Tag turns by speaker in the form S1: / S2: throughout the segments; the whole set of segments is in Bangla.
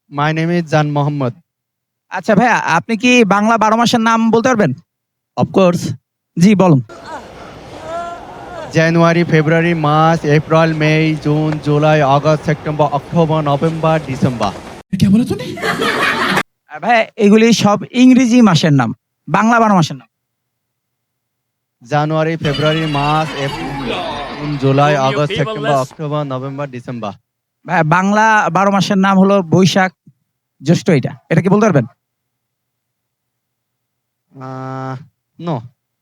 S1: My name is Jan Mohammed.
S2: আচ্ছা ভাইয়া, আপনি কি বাংলা 12 মাসের নাম বলতে পারবেন?
S1: Of course,
S2: জি বলুন।
S1: January, February, March, April, May, June, July, August, September, October, November, December.
S2: ভাইয়া, এগুলি সব ইংরেজি মাসের নাম, বাংলা 12 মাসের নাম।
S1: January, February, March, April, June, July, August, September, October, November, December.
S2: ভাইয়া, বাংলা 12 মাসের নাম হলো বৈশাখ, জ্যৈষ্ঠ। এটা কি বলতে পারবেন?
S1: No.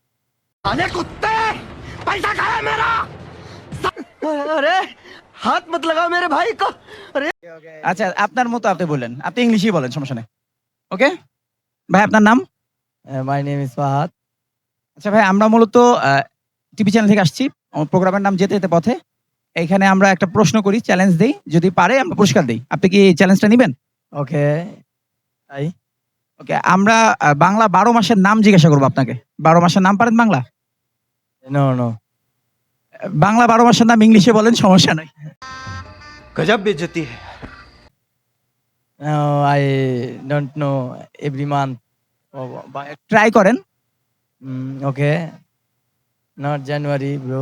S3: हाथ मत लगाओ मेरे भाई को।
S2: আচ্ছা, আপনার মতো আপনি বললেন, আপনি ইংলিশই বলেন, সমস্যা নেই। ওকে ভাই, আপনার নাম?
S3: My name is Fahad.
S2: আচ্ছা ভাই, আমরা মূলত টিভি চ্যানেল থেকে আসছি। আমার প্রোগ্রামের নাম যেতে যেতে পথে। এইখানে আমরা একটা প্রশ্ন করি, চ্যালেঞ্জ দেই, যদি পারে আমরা পুরস্কার দেই। আপনি কি চ্যালেঞ্জটা নেবেন?
S3: Okay. I
S2: ওকে, আমরা বাংলা 12 মাসের নাম জিজ্ঞাসা করবো আপনাকে। 12 মাসের নাম পারেন বাংলা?
S3: no.
S2: বাংলা 12 মাসের নাম ইংলিশে বলেন, সমস্যা নাই।
S3: गजब बेइज्जती है। No, I don't know every month.
S2: Try করেন।
S3: Okay. Not January, bro.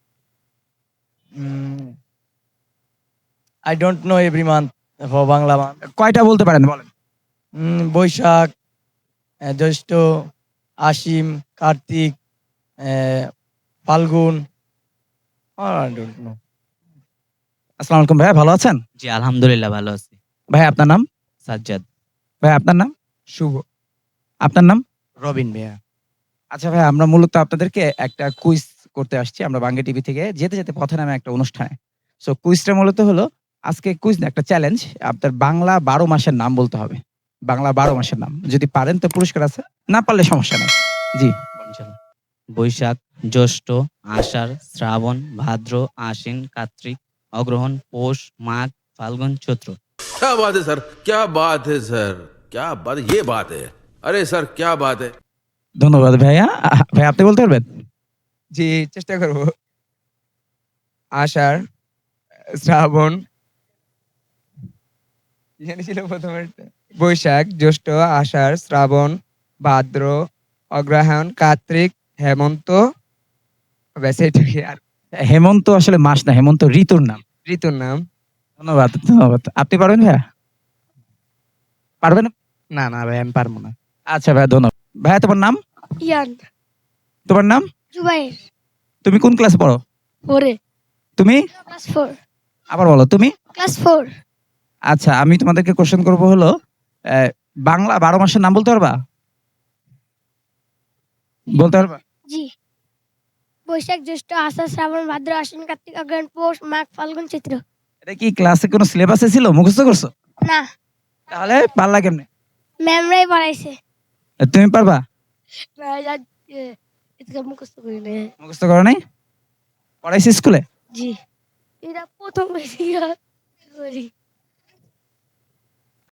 S3: I don't know every month for Bangla month.
S2: কয়টা বলতে পারেন বলেন?
S3: বৈশাখ, জ্যৈষ্ঠ, আশ্বিন, কার্তিক, ফাল্গুন। I don't know.
S2: আসসালামু আলাইকুম ভাই, ভালো আছেন?
S4: জি আলহামদুলিল্লাহ ভালো আছি।
S2: ভাই আপনার নাম?
S4: সাজ্জাদ।
S2: ভাই আপনার নাম?
S3: শুভ।
S2: আপনার নাম?
S3: রবিন ভাইয়া।
S2: আচ্ছা ভাই, আমরা মূলত আপনাদেরকে একটা কুইজ করতে আসছি। আমরা বাংলা টিভি থেকে যেতে যেতে পথে নামে একটা অনুষ্ঠানে। সো কুইজটা মূলত হলো, আজকে কুইজ না, একটা চ্যালেঞ্জ। আপনার বাংলা 12 মাসের নাম বলতে হবে। বাংলা 12 মাসের নাম যদি পারেন তো পুরস্কার আছে, না পারলে সমস্যা নেই। জি
S4: ইনশাআল্লাহ। বৈশাখ, জ্যৈষ্ঠ, আষাঢ়, শ্রাবণ, ভাদ্র, আশ্বিন, কার্তিক, অগ্রহণ, পৌষ, মাঘ, ফাল্গুন, চৈত্র।
S5: क्या बात है सर, क्या बात है सर, क्या बात, ये बात है। अरे सर क्या बात है।
S2: ধন্যবাদ ভাইয়া। ভাই আপনি বলতে পারবেন?
S6: জি, চেষ্টা করব। আষাঢ়, শ্রাবণ, কি জানি ছিল প্রথমেরটা? বৈশাখ, জ্যৈষ্ঠ, আষাঢ়, শ্রাবণ, ভাদ্র, অগ্রহায়ণ, কার্তিক, হেমন্ত। ব্যাস এইটুকুই। আর
S2: হেমন্ত আসলে মাস না, হেমন্ত ঋতুর নাম।
S6: ঋতুর নাম?
S2: ধন্যবাদ ধন্যবাদ। আপনি পারবেন ভাইয়া? পারবেন?
S6: না ভাই, আমি পারবো না।
S2: আচ্ছা ভাইয়া, ধন্যবাদ। ভাইয়া তোমার নাম?
S7: ইয়ান।
S2: তোমার নাম?
S7: জুবাইর।
S2: তুমি কোন ক্লাসে পড়ো?
S7: 4 এ।
S2: তুমি?
S7: ক্লাস 4।
S2: আবার বলো, তুমি?
S7: ক্লাস 4।
S2: আচ্ছা, আমি তোমাদেরকে কোশ্চেন করব হলো, বাংলা 12 মাসের নাম বলতে পারবা? বলতে পারবা?
S7: জি। বৈশাখ, জ্যৈষ্ঠ, আষাঢ়, শ্রাবণ, ভাদ্র, আশ্বিন, কার্তিক, অগ্রহায়ণ, পৌষ, মাঘ, ফাল্গুন, চৈত্র।
S2: এটা কি ক্লাসে কোনো সিলেবাসে ছিল, মুখস্থ করছো?
S7: না,
S2: তাহলে পারলা কেমনে?
S7: ম্যামরাই পড়াইছে।
S2: তুমি পারবা?
S7: না, এটা মুখস্থ করি না।
S2: মুখস্থ করো নাই? পড়াইছি স্কুলে?
S7: জি। এটা প্রথম বেশি করি।